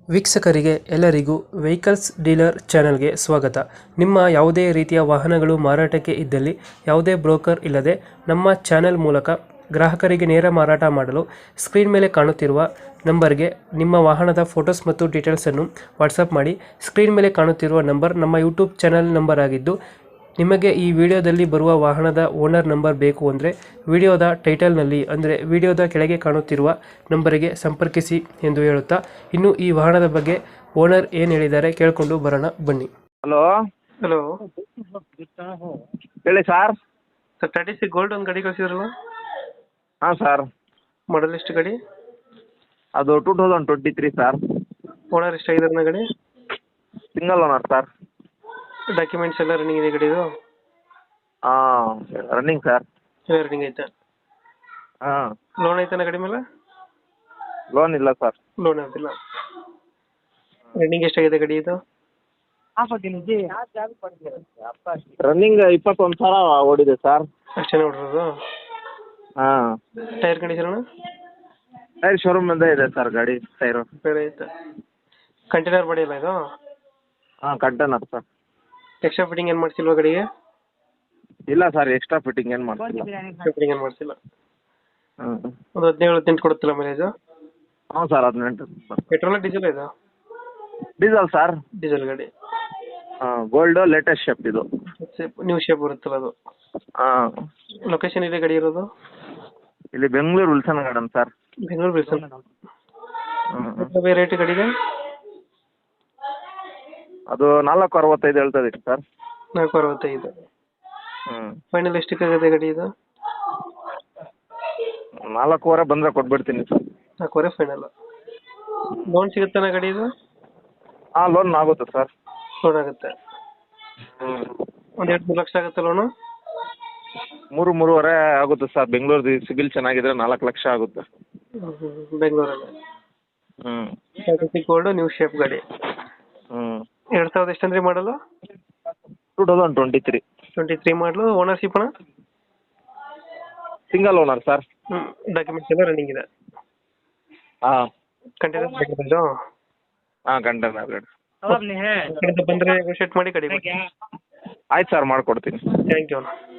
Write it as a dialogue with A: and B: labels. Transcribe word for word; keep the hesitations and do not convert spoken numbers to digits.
A: ವೀಕ್ಷಕರಿಗೆ ಎಲ್ಲರಿಗೂ vehicles dealer ಚಾನೆಲ್ಗೆ ಸ್ವಾಗತ. ನಿಮ್ಮ ಯಾವುದೇ ರೀತಿಯ ವಾಹನಗಳು ಮಾರಾಟಕ್ಕೆ ಇದ್ದಲ್ಲಿ ಯಾವುದೇ ಬ್ರೋಕರ್ ಇಲ್ಲದೆ ನಮ್ಮ ಚಾನೆಲ್ ಮೂಲಕ ಗ್ರಾಹಕರಿಗೆ ನೇರ ಮಾರಾಟ ಮಾಡಲು ಸ್ಕ್ರೀನ್ ಮೇಲೆ ಕಾಣುತ್ತಿರುವ ನಂಬರ್ಗೆ ನಿಮ್ಮ ವಾಹನದ ಫೋಟೋಸ್ ಮತ್ತು ಡೀಟೇಲ್ಸನ್ನು ವಾಟ್ಸಪ್ ಮಾಡಿ. ಸ್ಕ್ರೀನ್ ಮೇಲೆ ಕಾಣುತ್ತಿರುವ ನಂಬರ್ ನಮ್ಮ ಯೂಟ್ಯೂಬ್ ಚಾನೆಲ್ ನಂಬರ್ ಆಗಿದ್ದು, ನಿಮಗೆ ಈ ವಿಡಿಯೋದಲ್ಲಿ ಬರುವ ವಾಹನದ ಓನರ್ ನಂಬರ್ ಬೇಕು ಅಂದರೆ ವಿಡಿಯೋದ ಟೈಟಲ್ನಲ್ಲಿ ಅಂದರೆ ವಿಡಿಯೋದ ಕೆಳಗೆ ಕಾಣುತ್ತಿರುವ ನಂಬರಿಗೆ ಸಂಪರ್ಕಿಸಿ ಎಂದು ಹೇಳುತ್ತಾ, ಇನ್ನು ಈ ವಾಹನದ ಬಗ್ಗೆ ಓನರ್ ಏನು ಹೇಳಿದ್ದಾರೆ ಕೇಳಿಕೊಂಡು ಬರೋಣ ಬನ್ನಿ.
B: ಹಲೋ
A: ಹಲೋ
B: ಹೇಳಿ ಸರ್.
A: ಸರ್ ಟಾಟಾ ಸಿ ಗೋಲ್ಡ್ ಒಂದು ಗಾಡಿ ಕಳಿಸಿದ್ರಲ್ಲ,
B: ಹಾಂ ಸರ್,
A: ಮಾಡಲ್ ಎಷ್ಟು ಗಾಡಿ?
B: ಅದು two thousand twenty three sir.
A: Owner ಎಷ್ಟಾಗಿದ್ದಾರೆ ಗಾಡಿ?
B: Single owner sir.
A: ಡಾಕ್ಯುಮೆಂಟ್ಸ್ ಎಲ್ಲ ರನ್ನಿಂಗ್ ಇದೆ ಗಾಡಿದು?
B: ಹಾಂ ರನ್ನಿಂಗ್ ಸರ್.
A: ಎಲ್ಲ ರನ್ನಿಂಗ್ ಐತೆ?
B: ಹಾಂ.
A: ಲೋನ್ ಐತನ ಗಾಡಿ ಮೇಲೆ?
B: ಲೋನ್ ಇಲ್ಲ ಸರ್.
A: ಲೋನ್ ಆಗಿಲ್ಲ. ರನ್ನಿಂಗ್ ಎಷ್ಟಾಗಿದೆ ಗಾಡಿ ಇದು?
B: ರನ್ನಿಂಗ್ ಇಪ್ಪತ್ತೊಂದು ಸಾವಿರ ಓಡಿದೆ ಸರ್.
A: ಅಷ್ಟೇ ನೋಡಿರೋದು?
B: ಹಾಂ.
A: Tyre condition?
B: ಟೈರ್ ಶೋರೂಮಿಂದ ಇದೆ ಸರ್ ಗಾಡಿ ಟೈರು.
A: ಬೇರೆ ಐತೆ. ಕಂಟೈನರ್ ಬಾಡಿ ಇಲ್ಲ ಇದು?
B: ಹಾಂ ಕಂಟೈನರ್ ಸರ್.
A: ಎಕ್ಸ್ಟ್ರಾ ಫಿಟ್ಟಿಂಗ್ ಏನು ಮಾಡಿಸಿಲ್ವಾ ಗಾಡಿಗೆ?
B: ಇಲ್ಲ ಸರ್, ಎಕ್ಸ್ಟ್ರಾ ಫಿಟ್ಟಿಂಗ್ ಏನು ಮಾಡ್ತಿಲ್ಲ.
A: ಫಿಟ್ಟಿಂಗ್ ಏನು ಮಾಡಿಸಿಲ್ಲ.
B: ಹ್ಞೂ.
A: ಒಂದು ಹದಿನೇಳು ಹದಿನೆಂಟು ಕೊಡುತ್ತಿಲ್ಲ ಮೈಲೇಜು?
B: ಹ್ಞೂ ಸರ್, ಹದಿನೆಂಟು.
A: ಪೆಟ್ರೋಲ್ ಡೀಸೆಲ್ ಇದು?
B: Diesel sir.
A: ಡೀಸೆಲ್ ಗಾಡಿ.
B: ಹಾಂ, ಗೋಲ್ಡು ಲೇಟೆಸ್ಟ್ ಶೇಪ್ ಇದು.
A: ನ್ಯೂ ಶೇಪ್ ಬರುತ್ತಲ್ಲ ಅದು?
B: ಹಾಂ.
A: ಲೊಕೇಶನ್ ಇದೆ ಗಾಡಿ ಇರೋದು?
B: ಇಲ್ಲಿ Bengaluru Wilson Garden sir.
A: Bengaluru Wilson.
B: ಹ್ಞೂ.
A: ಬೇರೆ ರೇಟ್ ಗಾಡಿಗೆ?
B: ಅದು ನಾಲ್ಕು ಅರವತ್ತೈದು ಹೇಳ್ತಾ ಇದೀನಿ ಸರ್.
A: ನಾಲ್ಕು ಅರವತ್ತೈದು.
B: ಹ್ಞೂ.
A: ಫೈನಲ್ ಎಷ್ಟಕ್ಕಾಗುತ್ತೆ ಗಾಡಿ ಇದು?
B: ನಾಲ್ಕೂವರೆ ಬಂದರೆ ಕೊಟ್ಬಿಡ್ತೀನಿ ಸರ್.
A: ನಾಲ್ಕೂವರೆ ಫೈನಲ್. ಲೋನ್ ಸಿಗುತ್ತಾನ ಗಾಡಿ ಇದು?
B: ಹಾಂ, ಲೋನ್ ಆಗುತ್ತೆ ಸರ್.
A: ಲೋನ್ ಆಗುತ್ತೆ.
B: ಹ್ಞೂ.
A: ಒಂದು ಎರಡು ಮೂರು ಲಕ್ಷ ಆಗುತ್ತೆ ಲೋನು?
B: ಮೂರು ಮೂರುವರೆ ಆಗುತ್ತೆ ಸರ್. ಬೆಂಗಳೂರು ಸಿಬಿಲ್ ಚೆನ್ನಾಗಿದ್ರೆ ನಾಲ್ಕು ಲಕ್ಷ ಆಗುತ್ತೆ.
A: ಬೆಂಗಳೂರಲ್ಲಿ?
B: ಹ್ಞೂ.
A: ಟಾಟಾ ಗೋಲ್ಡ್ ನ್ಯೂ ಶೇಪ್ ಗಾಡಿ.
B: ಹ್ಞೂ.
A: ಎರಡು ಸಾವಿರದ ಎಷ್ಟಂದ್ರೆ model?
B: Two thousand twenty three.
A: Twenty three model. Ownership ಅಣ್ಣ?
B: Single owner sir.
A: ಹ್ಞೂ. ಡಾಕ್ಯುಮೆಂಟ್ಸ್ ಎಲ್ಲ ರನ್ನಿಂಗ್ ಇದೆ?
B: ಹಾಂ.
A: ಕಂಟೈನರ್ ಬೇಕಿದ್ದು?
B: ಹಾಂ ಕಂಟೈನರ್ ಗಾಡಿ.
A: ಬಂದರೆ ನೆಗೋಷಿಯೇಟ್ ಮಾಡಿ ಗಾಡಿ ಕೊಡಿ.
B: ಆಯ್ತು ಸರ್, ಮಾಡಿಕೊಡ್ತೀನಿ.
A: ಥ್ಯಾಂಕ್ ಯು ಅಣ್ಣ.